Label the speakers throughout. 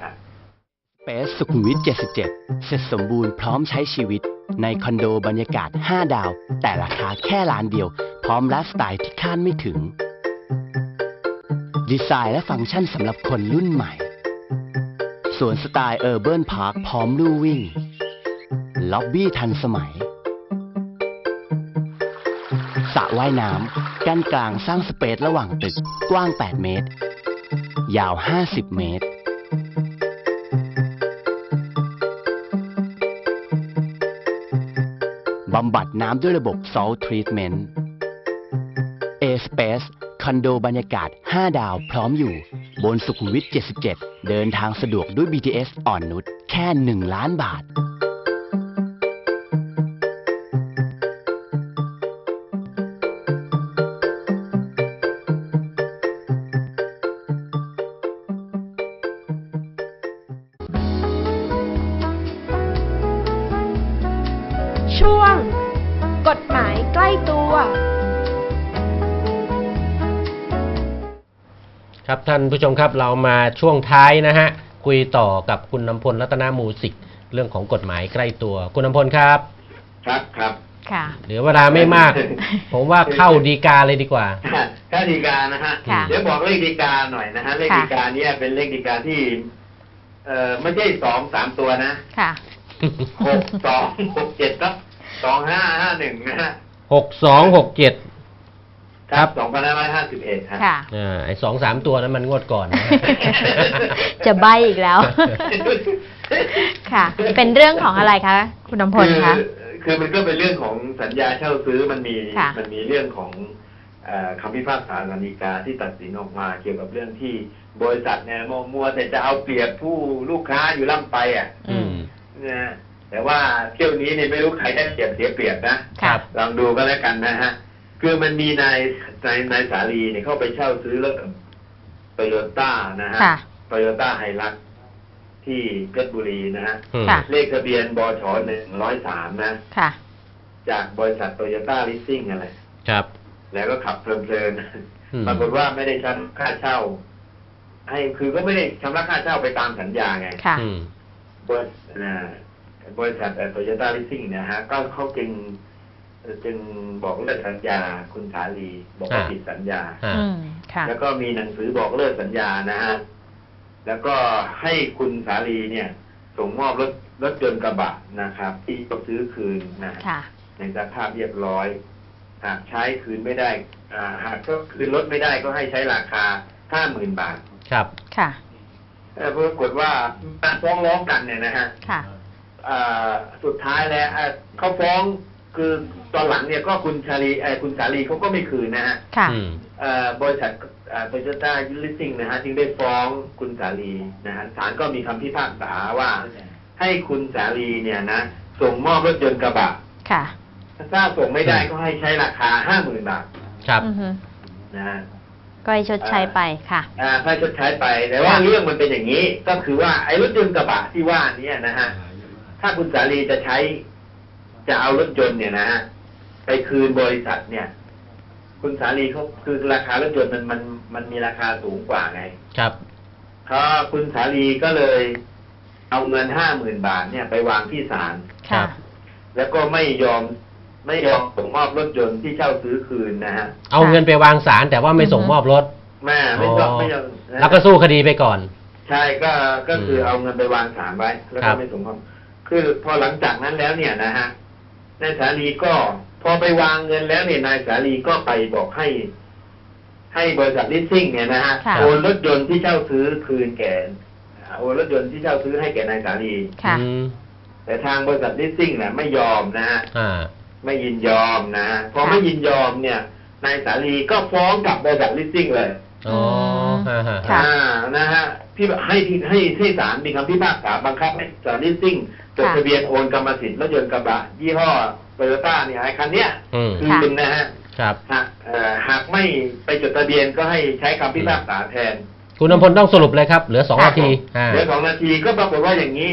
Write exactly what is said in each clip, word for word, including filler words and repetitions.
Speaker 1: ครับ
Speaker 2: เปซสุขุมวิทเจ็ดสิบเจ็ดเสร็จสมบูรณ์พร้อมใช้ชีวิตในคอนโดบรรยากาศห้าดาวแต่ราคาแค่ล้านเดียวพร้อมไลฟ์สไตล์ที่คาดไม่ถึงดีไซน์และฟังก์ชันสำหรับคนรุ่นใหม่สวนสไตล์เออร์เบิร์นพาร์คพร้อมลู่วิ่งล็อบบี้ทันสมัยสระว่ายน้ำกั้นกลางสร้างสเปซระหว่างตึกกว้างแปดเมตรยาวห้าสิบเมตรบำบัดน้ำด้วยระบบ Salt Treatment A-Space คอนโดบรรยากาศห้าดาวพร้อมอยู่บนสุขุมวิทเจ็ดสิบเจ็ดเดินทางสะดวกด้วย บี ที เอส อ่อนนุชแค่หนึ่งล้านบาท
Speaker 3: ช่วงกฎหมายใกล้ตัว
Speaker 4: ครับท่านผู้ชมครับเรามาช่วงท้ายนะฮะคุยต่อกับคุณนำพลรัตนมูสิกเรื่องของกฎหมายใกล้ตัวคุณนำพลครับ
Speaker 1: ครับครับ
Speaker 3: ค่ะ
Speaker 4: เหลือเวลาไม่มาก ผมว่าเข้าฎีกาเลยดีกว่า
Speaker 1: เข้าฎีกานะฮะเดี๋ยวบอกเลขฎีกาหน่อยนะฮะเลขฎีกาเนี่ยเป็นเลขฎีกาที่เอ่อไม่ใช่สองสามตัวนะ
Speaker 3: ค่ะ
Speaker 1: หกสองหกเจ็ดครับสองห้าห้าหนึ่งนะฮะ
Speaker 4: หกสองหกเจ็ด
Speaker 1: ครับสองพันห้าร้อยห้าสิบเอ็ดครับ
Speaker 4: ค่ะอ่าไอ้สองสามตัวนั้นมันงวดก่อนนะ
Speaker 3: จะใบอีกแล้วค่ะเป็นเรื่องของอะไรคะคุณนำพลคะ
Speaker 1: คือมันก็เป็นเรื่องของสัญญาเช่าซื้อมันมีมันมีเรื่องของคำพิพากษาศาลฎีกาที่ตัดสินออกมาเกี่ยวกับเรื่องที่บริษัทเนี่ยมัวแต่จะเอาเปรียบผู้ลูกค้าอยู่ล่ำไปอ่ะนะแต่ว่าเที่ยวนี้เนี่ยไม่รู้ใครได้เปรียบเสียเปรียบนะลองดูก็แล้วกันนะฮะคือมันมีนายนายนายสาลีเนี่ยเข้าไปเช่าซื้อรถโตโยต้านะฮะโตโยต้าไฮรักที่เพชรบุรีนะฮะเลขทะเบียนบชหนึ่งร้อยสามนะจากบริษัทโตโยต้าลิสซิ่งอะไร
Speaker 4: ครับ
Speaker 1: แล้วก็ขับเพลินๆปรากฏว่าไม่ได้ชำระค่าเช่าให้คือก็ไม่ได้ชำระค่าเช่าไปตามสัญญาไงบริษัทบริษัทโตโยต้าลิสซิ่งเนี่ยฮะก็เขาจึงจึงบอกเลิกสัญญาคุณสาลีบอกว่าผิดสัญญาแล้วก็มีหนังสือบอกเลิกสัญญานะฮะแล้วก็ให้คุณสาลีเนี่ยส่งมอบรถรถยนต์กระบะนะครับที่ต้องซื้อคืนนะในสภาพเรียบร้อยหากใช้คืนไม่ได้หากก็คืนรถไม่ได้ก็ให้ใช้ราคาห้าหมื่นบาท
Speaker 4: ครับ
Speaker 3: ค่ะ
Speaker 1: ปรากฏว่าการฟ้องร้องกันเนี่ยนะฮะสุดท้ายแล้วเขาฟ้องคือตอนหลังเนี่ยก็คุณชาลีคุณสาลีเขาก็ไม่คืนนะฮะบริษัทโตโยต้าลิสซิ่งนะฮะจึงได้ฟ้องคุณสาลีนะฮะศาลก็มีคำพิพากษาว่าให้คุณสาลีเนี่ยนะส่งมอบรถยนต์กระบะค่ะถ้าส่งไม่ได้ก็ให้ใช้ราคาห้าหมื่นบาท
Speaker 4: ครับ
Speaker 1: นะฮะ
Speaker 3: ก็ให้ชดใช้ไปค่ะ
Speaker 1: อ่าให้ชดใช้ไปแต่ว่าเรื่องมันเป็นอย่างนี้ก็คือว่าไอ้รถยนต์กระบะที่ว่านี้นะฮะถ้าคุณสาลีจะใช้จะเอารถยนต์เนี่ยนะฮะไปคืนบริษัทเนี่ยคุณสาลีเขาคือราคารถยนต์มันมันมันมีราคาสูงกว่าไง
Speaker 4: ครับ
Speaker 1: เขาคุณสาลีก็เลยเอาเงินห้าหมื่นบาทเนี่ยไปวางที่ศาล
Speaker 4: ครับ
Speaker 1: แล้วก็ไม่ยอมไม่ยอมส่งมอบรถยนต์ที่เช่าซื้อคืนนะฮะ
Speaker 4: เอาเงินไปวางศาลแต่ว่าไม่ส่งมอบรถ
Speaker 1: แม่ไม่ยอมไม่ยอม
Speaker 4: แล้วก็สู้คดีไปก่อน
Speaker 1: ใช่ก็ก็คือเอาเงินไปวางศาลไว้แล้วก็ไม่ส่งมอบคือพอหลังจากนั้นแล้วเนี่ยนะฮะนายสาลีก็พอไปวางเงินแล้วเนี่ยนายสาลีก็ไปบอกให้ให้บริษัทลิสซิ่งเนี่ยนะฮะโอนรถยนต์ที่เช่าซื้อคืนแก่โอนรถยนต์ที่เช่าซื้อให้แก่นายสาลีแต่ทางบริษัทลิสซิ่งเนี่ยไม่ยอมนะฮะไม่ยินยอมนะฮะพอไม่ยินยอมเนี่ยนายสาลีก็ฟ้องกับบริษัทลิสซิ่งเลย
Speaker 4: อ๋อ
Speaker 1: อ่านะฮะพี่ให้ให้ให้ศาลมีคำพิพากษาบังคับให้บริษัทลิสซิ่งจดทะเบียนโอนกรรมสิทธิ์รถยนต์กระบะยี่ห้อโตโยต้าเนี่ยไอ้คันเนี้ยคืนนะฮะ
Speaker 4: ครับ
Speaker 1: หากหากไม่ไปจดทะเบียนก็ให้ใช้คำพิพากษาแทน
Speaker 4: คุณนำพลต้องสรุปเลยครับเหลือสองนาที
Speaker 1: เหลือสองนาทีก็ปรากฏว่าอย่างนี้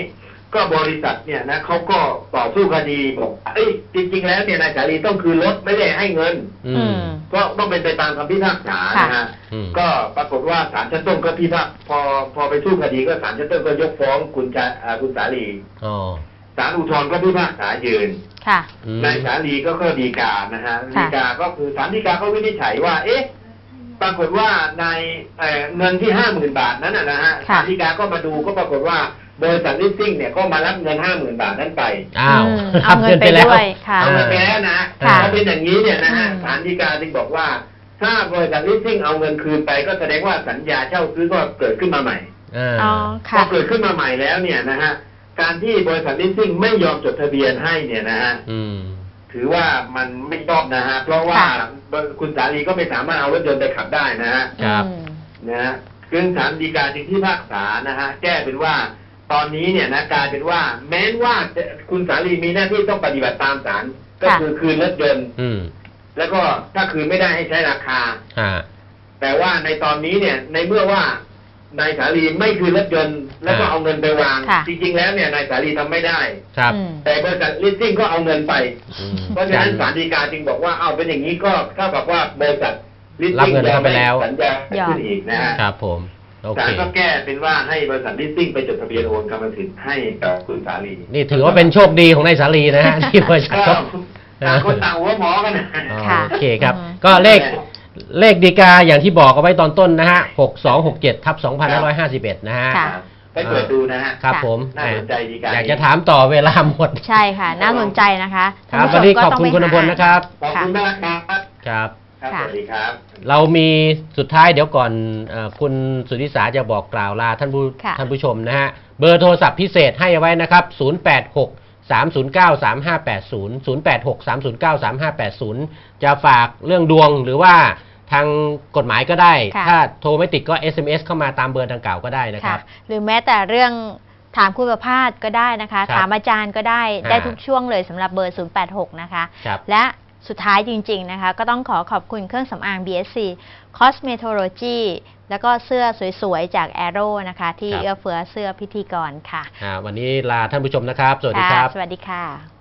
Speaker 1: ก็บริษัทเนี่ยนะเขาก็ต่อสู้คดีบอกเอ้ยจริงๆแล้วเนี่ยนายสาลีต้องคืนรถไม่ได้ให้เงิน
Speaker 4: อืม
Speaker 1: เพราะต้องเป็นไปตามคำพิพากษานะฮะ
Speaker 4: อืม
Speaker 1: ก็ปรากฏว่าศาลชั้นต้นก็พิพากษาพอพอไปสู้คดีก็ศาลชั้นต้นก็ยกฟ้องคุณจะอ่าคุณสาลี
Speaker 4: อ๋อ
Speaker 1: ศาลอุทธรณ์ก็พิพากษายืน
Speaker 3: ค่ะ
Speaker 4: อืม
Speaker 1: นายสาลีก็ก็ฎีกานะฮะฎีกาก็คือศาลฎีกาก็วินิจฉัยว่า เอ๊ะ ปรากฏว่าในเอ่อเงินที่ห้าหมื่นบาทนั้นนะนะฮะ
Speaker 3: ค่ะ
Speaker 1: ศาลฎีกาก็มาดูก็ปรากฏว่าบริษัทลิสซิ่งเนี่ยก็มารับเงินห้าหมื่นบาทนั้นไป
Speaker 4: อ้าว
Speaker 3: อืมเอาเงินไปด้วยค่ะ
Speaker 1: เอาเงินไปแล้วนะ
Speaker 3: ค่ะ
Speaker 1: ถ้าเป็นอย่างนี้เนี่ยนะฮะ
Speaker 3: อืม
Speaker 1: ศาลฎีกาจึงบอกว่า ถ้าบริษัทลิสซิ่งเอาเงินคืนไปก็แสดงว่าสัญญาเช่าซื้อก็เกิดขึ้นมาใหม่
Speaker 4: อ่า
Speaker 3: อ๋อ
Speaker 1: พอ
Speaker 3: ค่ะ
Speaker 1: เกิดขึ้นมาใหม่แล้วเนี่ยนะฮะการที่บริษัทลิสซิ่งไม่ยอมจดทะเบียนให้เนี่ยนะฮะ
Speaker 4: อืม
Speaker 1: ถือว่ามันไม่ชอบนะฮะเพราะว่า
Speaker 3: ค่ะ
Speaker 1: คุณสาลีก็ไม่สามารถเอารถยนต์ไปขับได้นะฮะ
Speaker 4: ครับ
Speaker 3: อืม
Speaker 1: นะฮะซึ่งศาลฎีกาจึงพิพากษานะฮะแก้เป็นว่าตอนนี้เนี่ยนะกลายเป็นว่าแม้ว่าจะคุณสาลีมีหน้าที่ต้องปฏิบัติตามศาลก็
Speaker 3: ค่ะ
Speaker 1: คือคืนรถยนต์
Speaker 4: อืม
Speaker 1: แล้วก็ถ้าคืนไม่ได้ให้ใช้ราคา
Speaker 4: อ่า
Speaker 1: แต่ว่าในตอนนี้เนี่ยในเมื่อว่านายสาลีไม่คืนรถยนต์แล้วก็
Speaker 4: อ่า
Speaker 1: เอาเงินไปวาง
Speaker 3: ค่ะ
Speaker 1: จริงๆแล้วเนี่ยนายสาลีทำไม่ได้
Speaker 4: ครับ
Speaker 3: อืม
Speaker 1: แต่บริษัทลิสซิ่งก็เอาเงินไป
Speaker 4: อืม
Speaker 1: เพราะฉะนั้นศาลฎีกาจึงบอกว่าเอาเป็นอย่างนี้ก็เท่ากับว่าบริษัทลิส
Speaker 4: รับ
Speaker 1: ซิ่ง
Speaker 4: เงินเข้าไปแล้ว
Speaker 1: สัญญาขึ้นอีกนะฮะ
Speaker 4: ครับผม โอ
Speaker 1: ศา
Speaker 4: เค
Speaker 1: ลก็แก้เป็นว่าให้บริษัทลิสซิ่งไปจดทะเบียนโอนกรรมสิทธิ์ให้กับคุณสาลี
Speaker 4: นี่ถือว่าเป็นโชคดีของนายสาลีนะฮะ ที่บริษัท
Speaker 1: ก็
Speaker 4: เขา
Speaker 1: ต่างคนต่างหัวหมอกันนะ
Speaker 4: อ๋อ
Speaker 3: ค่ะ
Speaker 4: โอเคครับ
Speaker 3: อืม
Speaker 4: ก็เลขเลขดีกาอย่างที่บอกเอาไว้ตอนต้นนะฮะหกสองหกเจ็ดทับสองพันห้าร้อยห้าสิบเอ็ดนะฮะ
Speaker 3: ค่ะ
Speaker 1: ไปเปิดดูนะฮะ
Speaker 4: ครับผม
Speaker 1: น่าสนใจดีการ
Speaker 4: อยากจะถามต่อเวลาหมด
Speaker 3: ใช่ค่ะ น่าสนใจนะคะ
Speaker 4: ค
Speaker 3: ท่าน
Speaker 4: รับ
Speaker 3: ผู้ช
Speaker 4: วัน
Speaker 3: ม
Speaker 4: นี้
Speaker 3: ก็
Speaker 4: ขอบ
Speaker 3: ต้อง
Speaker 4: คุณ
Speaker 3: ไป
Speaker 4: คุณอภพล
Speaker 3: หา
Speaker 4: นะครับ
Speaker 1: ขอบคุณมากครับ
Speaker 4: ครับ
Speaker 1: ครับ
Speaker 3: ค่ะ
Speaker 1: สวัสดีครับ
Speaker 4: เรามีสุดท้ายเดี๋ยวก่อนเอ่อคุณสุทธิสาจะบอกกล่าวลาท่านผู้
Speaker 3: ค่ะ
Speaker 4: ท่านผู้ชมนะฮะ เบอร์โทรศัพท์พิเศษให้เอาไว้นะครับ ศูนย์ แปด หก สาม ศูนย์ เก้า สาม ห้า แปด ศูนย์ ศูนย์ แปด หก สาม ศูนย์ เก้า สาม ห้า แปด ศูนย์ จะฝากเรื่องดวงหรือว่าทางกฎหมายก็ได้
Speaker 3: ค่ะ
Speaker 4: ถ้าโทรไม่ติดก็ เอส เอ็ม เอส เข้ามาตามเบอร์ดังกล่าวก็ได้นะค
Speaker 3: ค่ะ
Speaker 4: รับ
Speaker 3: หรือแม้แต่เรื่องถามคุณประภาสก็ได้นะคะ
Speaker 4: ครับ
Speaker 3: ถามอาจารย์ก็ได้
Speaker 4: อ่า
Speaker 3: ได้ทุกช่วงเลยสำหรับเบอร์ ศูนย์ แปด หก นะคะ
Speaker 4: ครับ
Speaker 3: และสุดท้ายจริง ๆ นะคะ ก็ต้องขอขอบคุณเครื่องสำอาง บี เอส ซี Cosmetology แล้วก็เสื้อสวย ๆ จาก Arrow นะคะ ที่
Speaker 4: ครับ
Speaker 3: เอื้อเฟื้อเสื้อพิธีกรค่ะ
Speaker 4: อ่าวันนี้ลาท่านผู้ชมนะครับ สวัสดีครับ
Speaker 3: ะสวัสดีค่ะ